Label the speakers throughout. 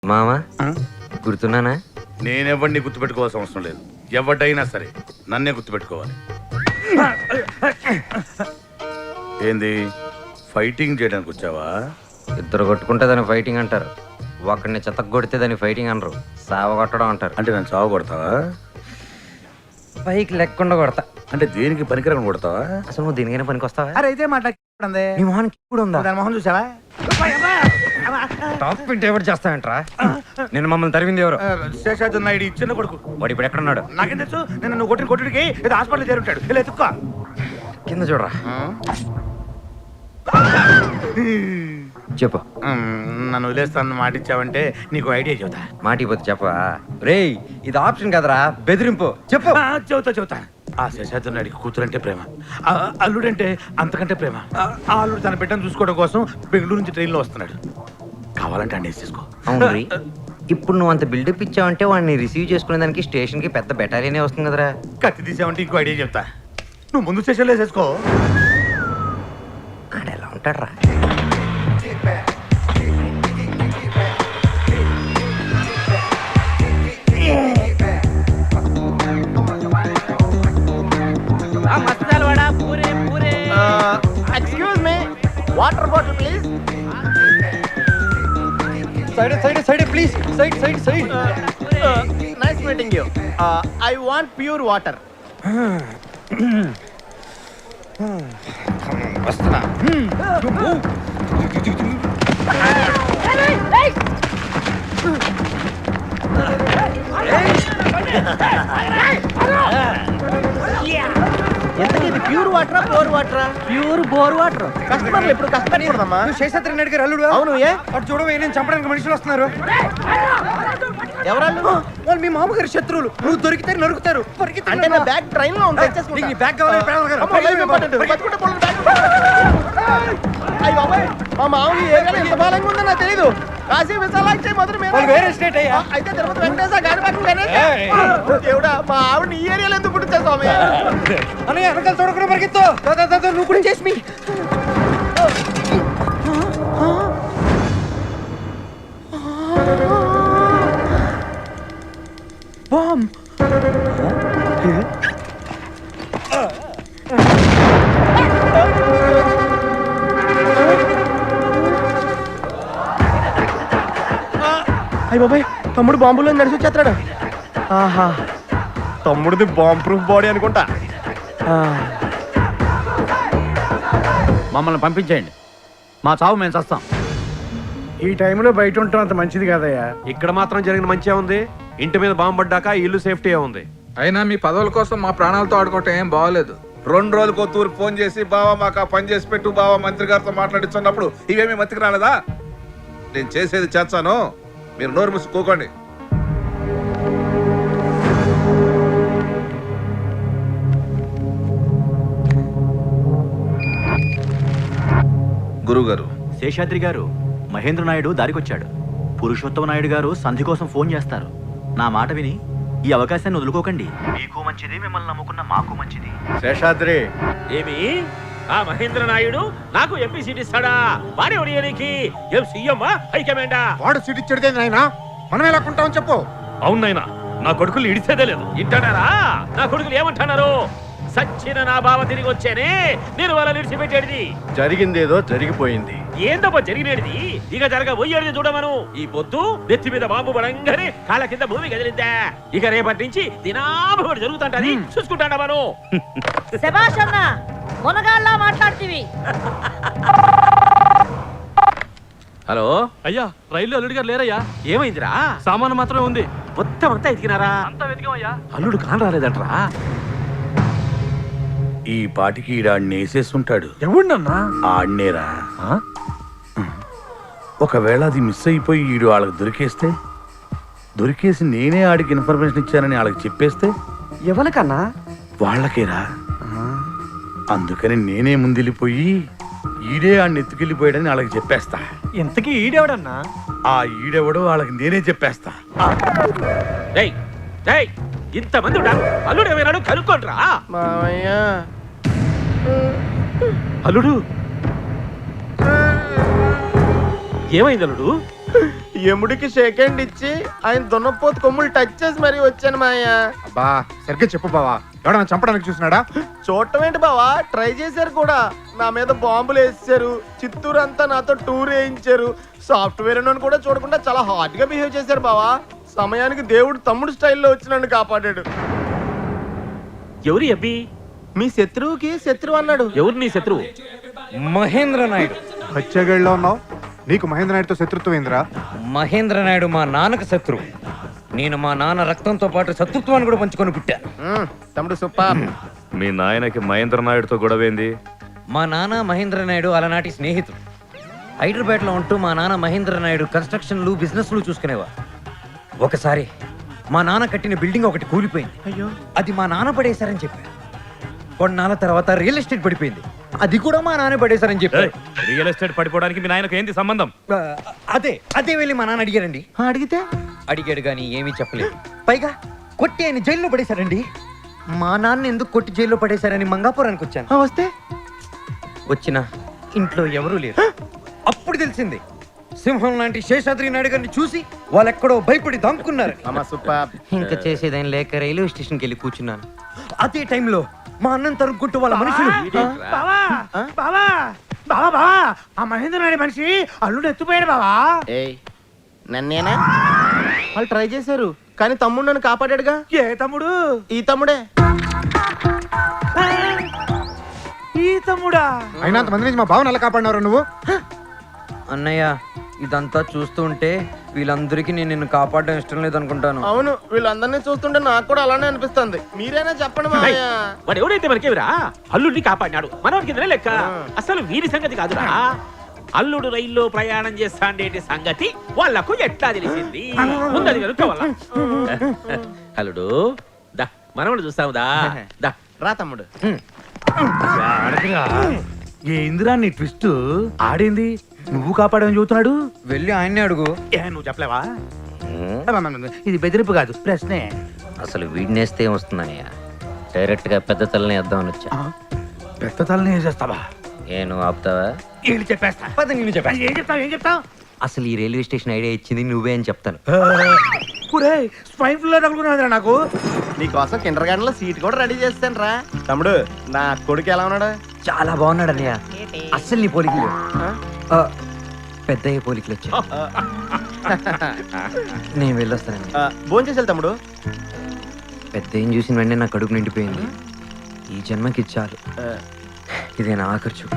Speaker 1: మామా గుర్తున్నానా?
Speaker 2: నేనెవడిని గుర్తుపెట్టుకోవాల్సిన అవసరం లేదు. ఎవడైనా సరే నన్నే గుర్తుపెట్టుకోవాలి. ఏంది ఫైటింగ్ చేయడానికి వచ్చావా?
Speaker 1: ఇద్దరు కొట్టుకుంటే దాన్ని ఫైటింగ్ అంటారు, ఒకరిని చెత్త కొడితే దాన్ని ఫైటింగ్ అనరు, సావ కొట్టడం అంటారు.
Speaker 2: అంటే నన్ను చావు కొడతావా?
Speaker 1: పైకి లెక్కకుండా కొడతా.
Speaker 2: అంటే దేనికి పనికిరకం కొడతావా?
Speaker 1: అసలు నువ్వు దేనికైనా పనికి వస్తావా?
Speaker 3: అరే అయితే మాట్లాడుతుంది
Speaker 1: నీ మొహానికి ఇప్పుడు ఉందా?
Speaker 3: దాని మొహం చూసావా?
Speaker 1: టాప్ పింట్ ఎవరు చేస్తావంట్రా? నేను మమ్మల్ని తరివింది ఎవరు?
Speaker 2: శేషాద్రి నాయుడు చిన్న కొడుకు.
Speaker 1: వాడు ఇప్పుడు ఎక్కడున్నాడు?
Speaker 2: నాకేం తెలుసు? నేను నువ్వు కొట్టిన కొట్టుడికి ఏదో హాస్పిటల్ చేరుంటాడు. ఇలా ఎత్తుక్కో.
Speaker 1: కింద చూడరా. చెప్పు.
Speaker 2: నన్ను వదిలేస్తాను మాట ఇచ్చావంటే నీకు ఐడియా చెబుతా.
Speaker 1: మాటిపోతే చెప్పా. రేయ్ ఇది ఆప్షన్ కదరా, బెదిరింపు. చెప్పు.
Speaker 2: చెబుతా. ఆ శేషాద్రి నాయుడికి కూతురంటే ప్రేమ, అల్లుడంటే అంతకంటే ప్రేమ. ఆ అల్లుడు తన బిడ్డను చూసుకోవడం కోసం బెంగళూరు నుంచి ట్రైన్లో వస్తున్నాడు. కావాలంటే అండి చేసుకో.
Speaker 1: అవును రీ, ఇప్పుడు నువ్వు అంత బిల్డప్ ఇచ్చావంటే వాడిని రిసీవ్ చేసుకునే దానికి స్టేషన్ కి పెద్ద బెటాలియనే వస్తుంది కదరా.
Speaker 2: కత్తి తీసావంటే ఇంకో ఐడియా చెప్తా. నువ్వు ముందు స్టేషన్లో వేసేసుకో.
Speaker 1: ఆడ ఎలా ఉంటాడు రా?
Speaker 3: Excuse me, water bottle please.
Speaker 1: Side please. Side.
Speaker 3: Nice meeting you. I want pure water.
Speaker 1: వస్తున్నా.
Speaker 3: ఎంతకి ఇది ప్యూర్ వాటరా బోర్ వాటరా? Pure bore water. కస్టమర్లు ఎప్పుడు కష్టపడకూడదమ్మా.
Speaker 1: శేషాద్రి నాయుడు గారు అల్లుడు.
Speaker 3: అవును. ఏ
Speaker 1: అటు చూడవే, నేను చంపడానికి మనుషులు వస్తున్నారు.
Speaker 3: ఎవరాళ్ళు?
Speaker 1: వాళ్ళు మీ మామగారు శత్రువులు. నువ్వు దొరికితే నరుకుతారు.
Speaker 3: అంటే నా బ్యాగ్ ట్రైన్ లో ఉంది.
Speaker 1: నీ బ్యాగ్ కావాలి.
Speaker 3: అయ్య బాబాయ్, మా మామూలు ఏరియాలో ఎంత బలంగా ఉందో నాకు తెలీదు. కాశీ విశాలాక్షి మొదలు
Speaker 1: వేరే స్టేట్ అయ్యా.
Speaker 3: అయితే తిరుపతి వెంకటేశ గాడిపక్కన గణేశ. దేవుడా, మా ఆవిడ ఈ ఏరియాలో ఎందుకు పుట్టించా స్వామి?
Speaker 1: అని వెనకాల చూడకుండా పరిగెత్తు. నువ్వు కూడా చేసి మీ
Speaker 3: బామ్. అయ్య బాబాయ్, తమ్ముడు బాంబులో నడిచి వచ్చేస్తాడు. ఆహా, తమ్ముడిది బాంబ్ ప్రూఫ్ బాడీ అనుకుంటా.
Speaker 4: మమ్మల్ని పంపించేయండి, మా చావు మేము చస్తాం.
Speaker 5: ఈ టైంలో బయట ఉండటం అంత మంచిది కాదయ్యా.
Speaker 6: ఇక్కడ మాత్రం జరిగిన మంచిగా ఉంది. ఇంటి మీద బాంబు పడ్డాక ఇల్లు సేఫ్టీ ఉంది.
Speaker 7: అయినా మీ పదవుల కోసం మా ప్రాణాలతో ఆడుకోవటం ఏం బాగోలేదు.
Speaker 8: 2 రోజులకు తూర్పు ఫోన్ చేసి బావా మాకు ఆ పని చేసి పెట్టు బావా మంత్రి గారితో మాట్లాడిస్తున్నప్పుడు ఇవేమీ మతికి రాలేదా? నేను చేసేది చేస్తాను, మీరు నోరు మూసుకోకండి. గురుగారు.
Speaker 4: శేషాద్రి గారు, మహేంద్ర నాయుడు దారికొచ్చాడు. పురుషోత్తమ నాయుడు గారు సంధి కోసం ఫోన్ చేస్తారు. నా మాట విని ఈ అవకాశాన్ని వదులుకోకండి. మీకు మంచిది, మిమ్మల్ని నమ్ముకున్న మాకు మంచిది.
Speaker 3: శేషాద్రి,
Speaker 9: ఏమి ఆ మహేంద్ర నాయుడు నాకు ఎంపీ సీట్ ఇస్తాడా? వాడే ఒడియనికి ఏం సీఎం హైకమాండా?
Speaker 5: వాడు సీట్ ఇచ్చాడు నాయనా, మనం ఎలా కొంటామని చెప్పు.
Speaker 9: అవునైనా నా కొడుకులు ఇడిచేదే లేదు. ఇంటాడారా? నా కొడుకులు ఏమంటున్నారు? సచ్చిన నా బావ తిరిగి వచ్చానే, నేను వాళ్ళ నిడిచిపెట్టేది.
Speaker 3: జరిగిందేదో జరిగిపోయింది.
Speaker 9: ఏందబ్బా జరిగినేది? ఇక జరగబోయేది చూడమను. ఈ పొద్దు నెత్తి మీద బాంబు పడంగానే కాళ్ళ కింద భూమి కదిలిందా? ఇక రేపటి నుంచి దినాభోడు జరుగుతుంటది, చూసుకుంటాడా మనం.
Speaker 10: శభాష్ అన్న, మునగాళ్ళ మాట్లాడుతీవి.
Speaker 9: హలో
Speaker 6: అయ్యా, రైలు అల్లుడి గారు లేరయ్యా.
Speaker 9: ఏమైందిరా?
Speaker 6: సామాను మాత్రమే ఉంది.
Speaker 9: మొత్తం అంతా ఎతికినారా?
Speaker 6: అంతా వెతికామయ్యా.
Speaker 9: అల్లుడు కాని రాలేదంటరా?
Speaker 2: ఈ పాటికి ఈడాడిని వేసేస్తుంటాడు.
Speaker 5: ఎవడన్నా?
Speaker 2: ఆడినేరా. ఒకవేళ అది మిస్ అయిపోయి ఈడు వాళ్ళకి దొరికేసి నేనే ఆడికి ఇన్ఫర్మేషన్ ఇచ్చానని వాళ్ళకి చెప్పేస్తే
Speaker 3: ఎవరికన్నా?
Speaker 2: వాళ్ళకేరా. అందుకని నేనే ముందెళ్ళిపోయి ఈడే ఆడిని ఎత్తుకెళ్ళిపోయాడని వాళ్ళకి చెప్పేస్తా.
Speaker 3: ఇంతకీ ఈడెవడన్నా?
Speaker 2: ఆ ఈడెవడో వాళ్ళకి నేనే చెప్పేస్తా.
Speaker 9: ఇంతమంది ఉంటారు, అల్లుడు ఏమైనాడు కనుక్కోండ్రా.
Speaker 3: మామయ్య,
Speaker 9: అల్లుడు ఏమైంది? అల్లుడు
Speaker 3: ఎముడికి షేక్ హ్యాండ్ ఇచ్చి ఆయన దున్నపోతు కొమ్ములు టచ్ చేసి మరీ వచ్చాను మాయ.
Speaker 5: అబ్బా సరిగ్గా చెప్పు బావా, ఎవడన్నా చంపడానికి చూసినాడా?
Speaker 3: చూడటం ఏంటి బావా, ట్రై చేశారు కూడా. నా మీద బాంబులు వేసారు, చిత్తూరు అంతా నాతో టూర్ వేయించారు. సాఫ్ట్వేర్ అని కూడా చూడకుండా చాలా హాట్ గా బిహేవ్ చేశారు బావా. సమయానికి దేవుడు తమ్ముడు స్టైల్లో వచ్చి నన్ను కాపాడాడు.
Speaker 9: ఎవరి అబ్బి?
Speaker 3: మీ శత్రువుకి శత్రువు అన్నాడు.
Speaker 9: ఎవరు నీ శత్రువు?
Speaker 1: మహేంద్ర నాయుడు.
Speaker 5: బచ్చగళ్ళలో ఉన్నావు, నీకు మహేంద్ర నాయుడుతో శత్రుత్వం ఏందిరా?
Speaker 1: మహేంద్ర నాయుడు మా నాన్నకు శత్రువు. నేను మా నాన్న రక్తంతో పాటు శత్రుత్వాన్ని కూడా పంచుకొని పుట్టా.
Speaker 3: తమ్ముడు సూపర్.
Speaker 6: మీ నాయనకి మహేంద్ర నాయుడుతో గొడవేంది?
Speaker 1: మా నాన్న మహేంద్ర నాయుడు అలనాటి స్నేహితుడు. హైదరాబాద్లో ఉంటూ మా నాన్న మహేంద్ర నాయుడు కన్స్ట్రక్షన్లు బిజినెస్లు చూసుకునేవారు. ఒకసారి మా నాన్న కట్టిన బిల్డింగ్ ఒకటి కూలిపోయింది.
Speaker 3: అయ్యో,
Speaker 1: అది మా నాన్న పడేశారని చెప్పారు. కొన్నాళ్ళ తర్వాత రియల్ ఎస్టేట్ పడిపోయింది. అది కూడా మా నాన్న పడేశారని చెప్పారు.
Speaker 6: రియల్ ఎస్టేట్ పడిపోవడానికి మీ నాయనకు ఏంది సంబంధం?
Speaker 1: అదే వెళ్ళి మా నాన్న అడిగారండి.
Speaker 3: అడిగితే
Speaker 1: అడిగాడు కానీ ఏమీ చెప్పలేదు. పైగా కొట్టి ఆయన జైల్లో పడేశారండి. మా నాన్న ఎందుకు కొట్టి జైల్లో పడేశారని మంగాపురానికి వచ్చాను.
Speaker 3: వస్తే
Speaker 1: వచ్చిన ఇంట్లో ఎవరూ లేరు. అప్పుడు తెలిసింది, సింహం లాంటి శేషాద్రి నాయుడు గారిని చూసి వాళ్ళెక్కడో భయపడి దాక్కున్నారు. ఇంకా చేసేదేం లేక రైల్వే స్టేషన్కి వెళ్ళి కూర్చున్నాను. అదే టైంలో మా అన్నం తరుక్కుంటూ వాళ్ళ మనుషులు
Speaker 5: బావా బావా బావా బావా, ఆ మహేంద్ర నాయుడు మనిషి అల్లుడు ఎత్తుపోయాడు బావా.
Speaker 3: ఏయ్, నన్నేనా? వాళ్ళు ట్రై చేశారు కానీ తమ్ముడు నన్ను కాపాడాడుగా.
Speaker 5: ఏ తమ్ముడు?
Speaker 3: ఈ తమ్ముడే.
Speaker 5: ఈ తమ్ముడా?
Speaker 3: అయినా అంతమంది నుంచి మా బావను ఎలా కాపాడినారు నువ్వు?
Speaker 1: అన్నయ్య, ఇదంతా చూస్తుంటే వీళ్ళందరికీ నేను నిన్ను కాపాడడం ఇష్టం లేదనుకుంటాను.
Speaker 3: అవును, వీళ్ళందరినీ చూస్తుంటే నాకు కూడా అలానే అనిపిస్తుంది. మీరైనా చెప్పండి మావయ్య.
Speaker 9: వాడు ఎవడైతే మనకేమిరా అల్లుడిని కాపాడినాడు, మనవాడి కిందనే లెక్క. అసలు వీరి సంగతి కాదురా, అల్లుడు రైల్లో ప్రయాణం చేస్తాండేటి సంగతి వాళ్లకు ఎట్లా తెలిసింది? ముందది కనుక్కోవాలా? అల్లుడు దా, మనవాడు చూస్తావు దా దా.
Speaker 3: రా తమ్ముడు.
Speaker 2: ఏందిరా నీ ట్విస్ట్? ఆడింది నువ్వు కాపాడని చెబుతున్నాడు.
Speaker 1: వెళ్ళి ఆయన్నే అడుగు.
Speaker 2: నువ్వు చెప్పలేవా? ఇది బెదిరింపు కాదు, ప్రశ్నే.
Speaker 1: అసలు వీడినేస్తే ఏమొస్తుందన్నయ్య? డైరెక్ట్ గా పెద్ద తలని వేద్దామని వచ్చా.
Speaker 2: పెద్ద తలని వేసేస్తావా?
Speaker 1: నువ్వు ఆపుతావా?
Speaker 2: వీళ్ళు చెప్పేస్తా.
Speaker 1: నేను చెప్పా.
Speaker 2: ఏం చెప్తావు?
Speaker 1: అసలు ఈ రైల్వే స్టేషన్ ఐడియా ఇచ్చింది నువ్వే అని చెప్తాను.
Speaker 2: స్వైన్ ఫ్లూ తగులుకున్నావురా నాకు.
Speaker 3: నీకోసం కిండర్ గార్డెన్ లో సీట్ కూడా రెడీ చేస్తాను రా. తమ్ముడు, నా కొడుకు ఎలా ఉన్నాడు?
Speaker 1: చాలా బాగున్నాడు అన్నయ్య. అస్సలు నీ పోలికలు పెద్దయ్య పోలికలు వచ్చా. నేను వెళ్ళొస్తానండి.
Speaker 3: భోజనం చేసేది తమ్ముడు.
Speaker 1: పెద్దయ్యని చూసిన వెంటనే నా కడుపు నిండిపోయింది. ఈ జన్మకి చాలు. ఇదే నా ఆఖరి చూపు.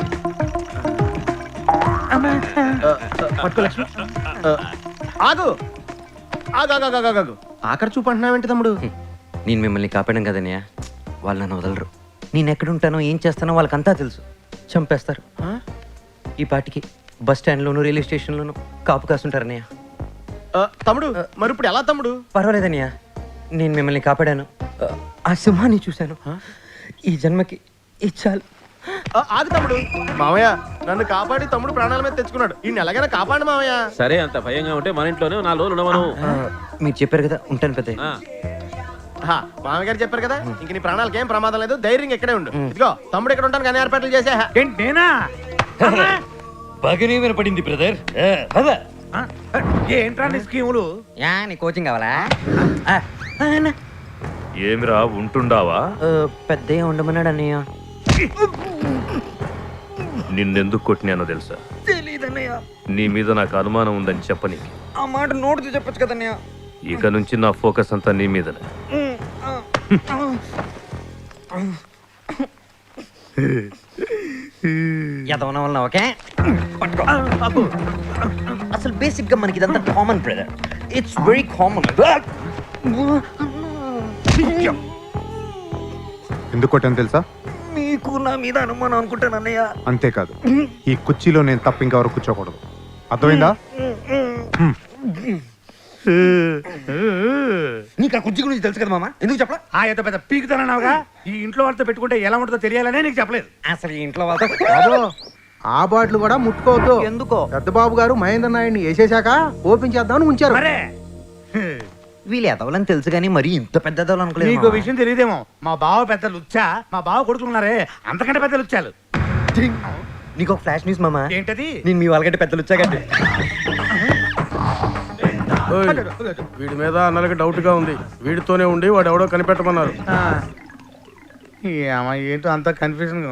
Speaker 3: పట్టుకో లక్ష్మి. ఆగు ఆగు ఆగు ఆగు ఆగు, ఆగు. ఆఖరి చూపు అంటున్నావేంటి తమ్ముడు?
Speaker 1: నేను మిమ్మల్ని కాపాడాను కదన్నయ్య, వాళ్ళు నన్ను వదలరు. నేను ఎక్కడుంటానో ఏం చేస్తానో వాళ్ళకంతా తెలుసు. చంపేస్తారు. ఈ పాటికి బస్ స్టాండ్లోను రైల్వే స్టేషన్లోను కాపు కాస్తుంటారన్నయ్య.
Speaker 3: తమ్ముడు, మరి ఇప్పుడు ఎలా తమ్ముడు?
Speaker 1: పర్వాలేదన్నయ్య, నేను మిమ్మల్ని కాపాడాను. ఆ సింహాన్ని చూశాను. ఈ జన్మకి ఇచ్చాలు.
Speaker 3: ఆగు తమ్ముడు. మామయ్య, నన్ను కాపాడి తమ్ముడు ప్రాణాల మీద తెచ్చుకున్నాడు. ఈ ఎలాగైనా కాపాడు మామయ్య.
Speaker 9: సరే, అంత భయంగా ఉంటే మన ఇంట్లోనే 4 రోజులు ఉండమను.
Speaker 1: మీరు చెప్పారు కదా, ఉంటాను పెద్దయ్య.
Speaker 3: మామయ్య గారు చెప్పారు కదా, ఇంక నీ ప్రాణాలకి ఏం ప్రమాదం లేదు, ధైర్యంగా ఇక్కడే ఉండు. ఇదిగో తమ్ముడు ఇక్కడ ఉంటాను కానీ ఏర్పాట్లు చేసా.
Speaker 2: ఏంటి నేనా?
Speaker 1: బాగానే వినపడింది బ్రదర్.
Speaker 2: ఏంట్రా నీ స్కీములు?
Speaker 1: నీ కోచింగ్ కావాలా?
Speaker 6: ఏమిరా ఉంటుండావా?
Speaker 1: పెద్దయ్య ఉండమన్నాడు అన్నయ్య.
Speaker 6: నిన్నెందుకు కొట్టినానో తెలుసా?
Speaker 1: తెలీదన్నయ్య.
Speaker 6: నీ మీద నాకు అనుమానం ఉందని చెప్పని.
Speaker 1: ఆ మాట నోటితో చెప్పొచ్చు కదన్నయ్య.
Speaker 6: ఇక నుంచి నా ఫోకస్ అంతా నీ మీదనే.
Speaker 1: ఎదవన వలన ఓకే. అసలు బేసిక్ గా మనకి ఇదంతా common brother. It's very common.
Speaker 5: ఎందుకు కొట్టాను తెలుసా?
Speaker 1: మీకు నా మీద అనుమానం అనుకుంటాను అన్నయ్య.
Speaker 5: అంతేకాదు, ఈ కుర్చీలో నేను తప్ప ఇంకెవరు కూర్చోకూడదు. అర్థమైందా?
Speaker 1: నీకు ఆ కుర్చీ గురించి తెలుసు కదా మామ, ఎందుకు చెప్పలా?
Speaker 2: ఎంత పెద్ద పీకుతానన్నావుగా. ఈ ఇంట్లో వాళ్ళతో పెట్టుకుంటే ఎలా ఉంటుందో తెలియాలనే నీకు చెప్పలేదు.
Speaker 1: అసలు ఈ ఇంట్లో వాళ్ళతో
Speaker 3: ఆ బాటిల్ కూడా ముట్టుకోవద్దు.
Speaker 1: ఎందుకో?
Speaker 3: పెద్ద బాబు గారు మహేంద్ర నాయుడిని వేసేశాక ఓపెన్ చేద్దామని ఉంచారు.
Speaker 2: మరే
Speaker 1: వీళ్ళు ఎదవలని తెలుసు కానీ మరి ఇంత పెద్ద ఎదవలు అనుకోలేదు.
Speaker 2: నీకు విషయం తెలియదేమో, మా బావ పెద్ద లుచ్చా, మా బావ కొడుకున్నారే అంతకంటే పెద్ద లుచ్చాలు.
Speaker 1: నీకు ఒక ఫ్లాష్ న్యూస్ మామ.
Speaker 2: ఏంటది?
Speaker 1: నేను మీ వాళ్ళకంటే పెద్దలు వచ్చాకండి.
Speaker 3: వీడి మీద అన్నలకి డౌట్ గా ఉంది. వీడితోనే ఉండి వాడు ఎవడో కనిపెట్టమన్నారు.
Speaker 2: ఏంటో అంత కన్ఫ్యూజన్